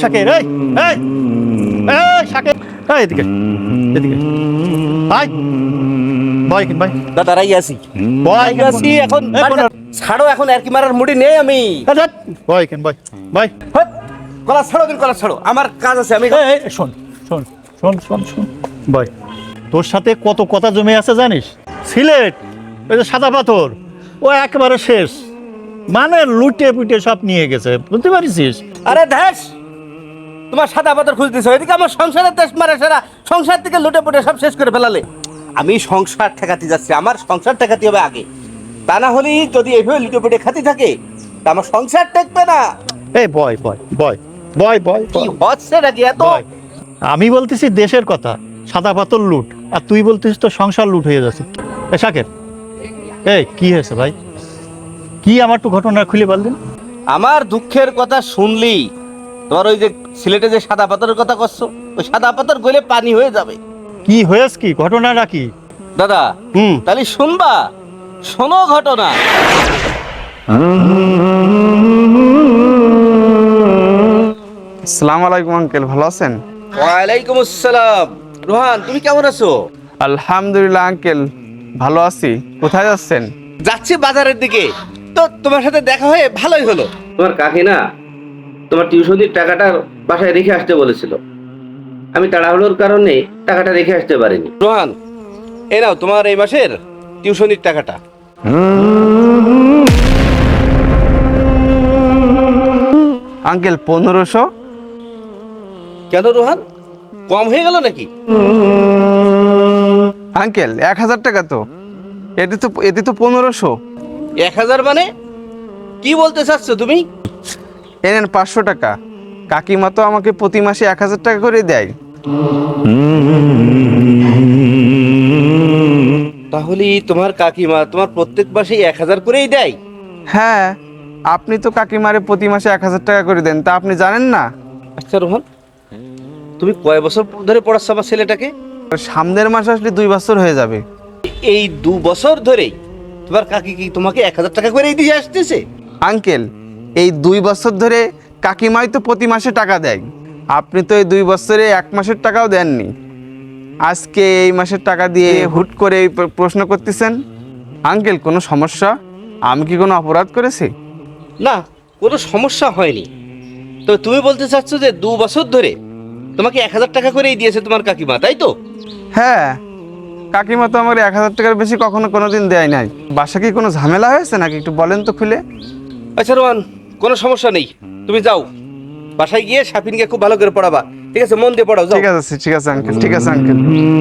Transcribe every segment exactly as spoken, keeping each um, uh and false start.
শাকের, এই এই এই শাকের, এই এদিকে এদিকে ভাই ভাই ভাই দাদা রাই আছি ভাই আছি এখন এই কোন ছাড়ো, এখন আর কি মারার মুডি নেই আমি। ভাই কেন ভাই ভাই হট, গলা ছাড়ো দিন, গলা ছাড়ো, আমার কাজ আছে। আমি এই এই, শোন শোন শোন শোন শোন ভাই, তোর সাথে কত কথা জমে আছে জানিস? সিলেট ওই যে সাদা পাথর, ও একেবারে শেষ, মানে লুটে পুটে সব নিয়ে গেছে, বুঝতে পারিস? আরে ধ্যাস, তোমার সাদা পাথর খুঁজতেছো, এদিকে আমার সংসারের দেশ মারা সারা সংসার থেকে লুটে পুটে সব শেষ করে ফেলালে। আমি সংসার ঠেকাতে যাচ্ছি, আমার সংসার ঠেকাতে হবে আগে, তা না হলে যদি এইভাবে লুটে পুটে খাতে থাকে তা আমার সংসার টেকবে না। এই বয় বয় বয় বয় বয় কি হচ্ছে নাকি এত? বয়। আমি বলতেছি দেশের কথা, সাদা পাথর লুট, আর তুই বলতেছিস তো সংসার লুট হয়ে যাচ্ছে। এ শাকের, এই কি হয়েছে ভাই? কি আমার একটু ঘটনা খুলে বলদিন। আমার দুঃখের কথা শুনলি, তোমার ওই যে সিলেটে যে সাদা পাথরের কথা করছো, ওই সাদা পাথর গলে পানি হয়ে যাবে। কি হয়েছে, কি ঘটনাটা কি? দাদা হুম তাহলে শুনবা, শোনো ঘটনা। আসসালামু আলাইকুম আঙ্কেল, ভালো আছেন? ওয়ালাইকুম আসসালাম। রোহান, তুমি কেমন আছো? আলহামদুলিল্লাহ আঙ্কেল, ভালো আছি। কোথায় যাচ্ছেন? যাচ্ছি বাজারের দিকে, তো তোমার সাথে দেখা হয়ে ভালোই হলো। তোমার কাকি না তোমার টিউশনির টাকাটা বাসায় রেখে আসতে বলেছিল, আমি তাড়াহুড়োর কারণে টাকাটা রেখে আসতে পারিনি। রোহান, এই নাও তোমার এই মাসের টিউশনির টাকাটা। আঙ্কেল পনেরোশো? কেন রোহান, কম হয়ে গেল নাকি? আঙ্কেল এক হাজার টাকা তো, এটি তো এটি তো পনেরোশো। এক হাজার মানে কি বলতে চাচ্ছ তুমি? এনেন পাঁচশো টাকা, কাকিমা তো আমাকে প্রতি মাসে এক হাজার টাকা করে দেয়। তাহলে তোমার কাকিমা তোমার প্রত্যেক মাসে এক হাজার করেই দেয়? হ্যাঁ, আপনি তো কাকিমারে প্রতি মাসে এক হাজার টাকা করে দেন, তা আপনি জানেন না? আচ্ছা রোহন, তুমি কয় বছর ধরে পড়াচ্ছ আমার ছেলেটাকে? সামনের মাস আসলে দুই বছর হয়ে যাবে। এই দু বছর ধরেই তোমার কাকি কি তোমাকে এক হাজার টাকা করেই দিয়ে আসতেছে? আঙ্কেল এই দুই বছর ধরে কাকিমাই তো প্রতি মাসে টাকা দেয়, আপনি তো এই দুই বছরে এক মাসের টাকাও দেননি। আজকে এই মাসের টাকা দিয়ে হুট করে এই প্র- প্রশ্ন করতেছেন। আঙ্কেল কোনো সমস্যা? আমি কি কোনো অপরাধ করেছি? না, কোনো সমস্যা হয়নি। তো তুমি বলতে চাচ্ছ যে দু বছর ধরে তোমাকে এক হাজার টাকা করেই দিয়েছে তোমার কাকিমা, তাই তো? হ্যাঁ, কাকিমা তো আমার এক হাজার টাকার বেশি কখনো কোনো দিন দেয় নাই। বাসা কি কোনো ঝামেলা হয়েছে নাকি, একটু বলেন তো খুলে। আচ্ছা রোহান, কোনো সমস্যা নেই, তুমি যাও বাসায় গিয়ে শাফিনকে খুব ভালো করে পড়াবা, ঠিক আছে? মন দিয়ে পড়াও, যাও। ঠিক আছে ঠিক আছে আঙ্কেল, ঠিক আছে আঙ্কেল।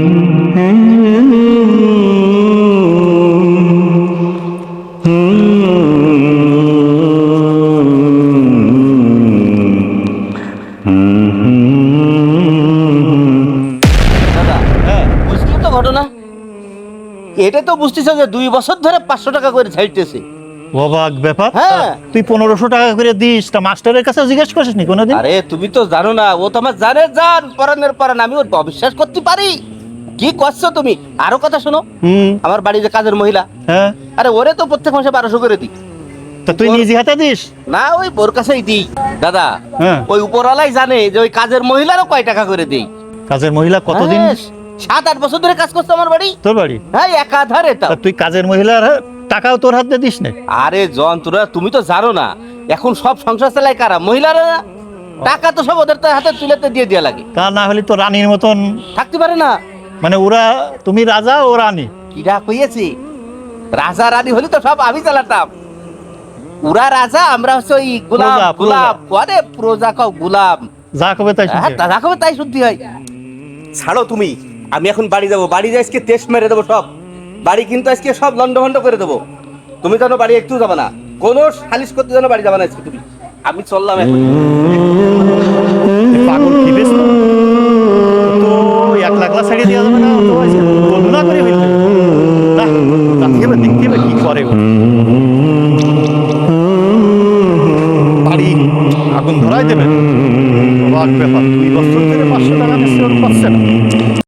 দাদা হ্যাঁ বুঝলি তো ঘটনা? এটা তো বুঝতেছ যে দুই বছর ধরে পাঁচশো টাকা করে ছাড়তেছে। অবাক ব্যাপার। হ্যাঁ। তুই পনেরোশো টাকা করে দিস, তা মাস্টারের কাছে জিজ্ঞেস করিস নি কোনোদিন? আরে তুমি তো জানো না, ও তো আমার জানে জান পরানের পরান, আমি ওর অবিশ্বাস করতে পারি? কি করছো তুমি? আরো কথা শোনো, হুম আমার বাড়ির যে কাজের মহিলা, হ্যাঁ, আরে ওরে তো প্রত্যেক মাসে বারোশো করে দিই। তা তুই নিজে হাতে দিস? না, ওই ওর কাছেই দিই। দাদা হ্যাঁ। ওই উপরওয়ালাই জানে যে ওই কাজের মহিলারও কয় টাকা করে দিই। কাজের মহিলা কতদিন? হ্যাঁ, সাত আট বছর ধরে কাজ করছে আমার বাড়ি। তোর বাড়ি? হ্যাঁ, একাধারে তাও। তা তুই কাজের মহিলার টাকাও তোর হাতে দিস না? আরে জন, তোরা তুমি তো জানো না এখন সব সংসার চালায় কারা? মহিলারা না। টাকা তো সব ওদের তো হাতে তুলেতে দিয়ে দেওয়া লাগে, তা না হলে তো রানীর মতন, থাকতে পারে না। মানে ওরা, তুমি রাজা ও রানী। কিরা কইয়েছি? রাজা রানী হলে তো সব আমি চালাতাম। ওরা রাজা, আমরা হচ্ছে ওই গোলাম। প্রজা, গোলাম আরে প্রজা কাও গোলাম। যা কবে তাই হ্যাঁ, শুনছে। তা রাখবে তাই শুনতে হয়। ছাড়ো তুমি, আমি এখন বাড়ি যাবো। বাড়ি যাই আজকে তেজ মেরে দেবো সব। বাড়ি কিন্তু আজকে সব লন্ড ভন্ড করে দেবো। তুমি জানো বাড়ি একটু যাবে না, কোনো সালিশ করতে জানো বাড়ি যাবে না আজকে তুমি। আমি চললাম এখন। এ পাগল কি বেশ তো এক লাখ লাখ ছাড়িয়ে দেওয়া যাবে না? তো আজকে বন্ধু না করে ফেলবে। না, তা দেখতে হবে, দেখতে হবে কি করে ও।